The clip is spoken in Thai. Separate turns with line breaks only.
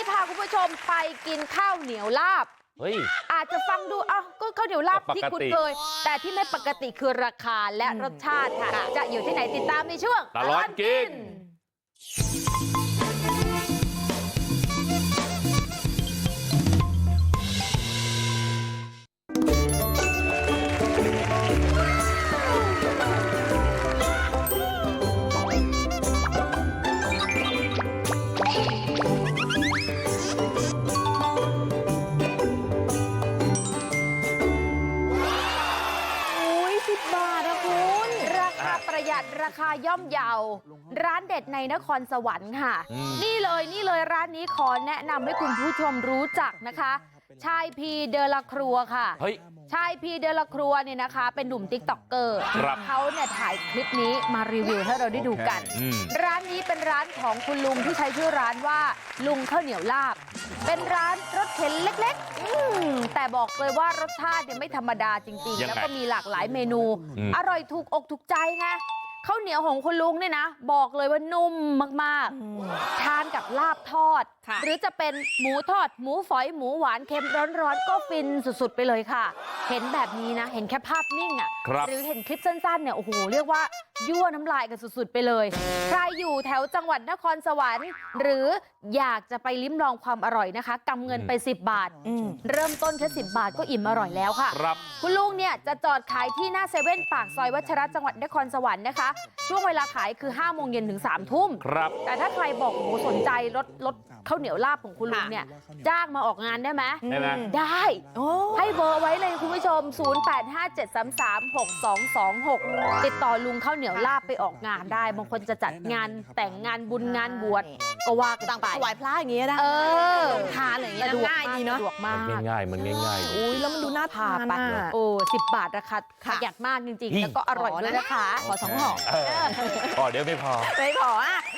พาคุณผู้ชมไปกินข้าวเหนียวลาบอาจจะฟังดูก็ข้าวเหนียวลาบที่คุ้นเคยแต่ที่ไม่ปกติคือราคาและรสชาติค่ะจะอยู่ที่ไหนติดตามในช่วง
ตลอดกิน
ประหยัดราคาย่อมเยาร้านเด็ดในนครสวรรค์ค่ะนี่เลยร้านนี้ขอแนะนำให้คุณผู้ชมรู้จักนะคะชายพีเดอละครัวค่ะชายพีเดอละครัวเนี่ยนะคะเป็นหนุ่มติ๊กต็อกเกอร์เขาเนี่ยถ่ายคลิปนี้มารีวิวให้เราได้ดูกันร้านนี้เป็นร้านของคุณลุงที่ใช้ชื่อร้านว่าลุงข้าวเหนียวลาบเป็นร้านรถเข็นเล็กๆแต่บอกเลยว่ารสชาติเนี่ยไม่ธรรมดาจริงๆแล้วก็มีหลากหลายเมนูอร่อยถูกอกถูกใจไงข้าวเหนียวของคุณลุงเนี่ยนะบอกเลยว่านุ่มมากๆทานกับลาบทอดหรือจะเป็นหมูทอดหมูฝอยหมูหวานเค็มร้อนๆก็ฟินสุดๆไปเลยค่ะเห็นแบบนี้นะเห็นแค่ภาพนิ่งหรือเห็นคลิปสั้นๆเนี่ยโอ้โหเรียกว่ายั่วน้ำลายกันสุดๆไปเลยใครอยู่แถวจังหวัดนครสวรรค์หรืออยากจะไปลิ้มลองความอร่อยนะคะกำเงินไป10 บาทเริ่มต้นแค่10 บาทก็อิ่มอร่อยแล้วค่ะคุณลุงเนี่ยจะจอดขายที่หน้าเซเว่นปากซอยวัชระจังหวัดนครสวรรค์นะคะช่วงเวลาขายคือ5 โมงเย็นถึง3 ทุ่มแต่ถ้าใครบอกโอ้โหสนใจรถข้าวเหนียวลาบของคุณลุงเนี่ยจ้างมาออกงานได้ไหมได้ให้เบอร์ไว้เลยคุณผู้ชม0857336226ติดต่อลุงข้าวเหนียวลาบไปออกงานได้บางคนจะจัดงานแต่งงานบุญงานบวชก็ว่ากันไป
ถวายพระอย่างเงี้ยนะทานอะไรอย่างเงี้ยง่ายดีเนาะ
สะดวกมาก
มันง่าย
อุ้ยแล้วมันดูน่าทาน
ไป10 บาทราคาประหยัดมากจริงๆแล้วก็อร่อยด้วยนะคะ
ขอ2 ห่อเดี๋ยวไม่พอ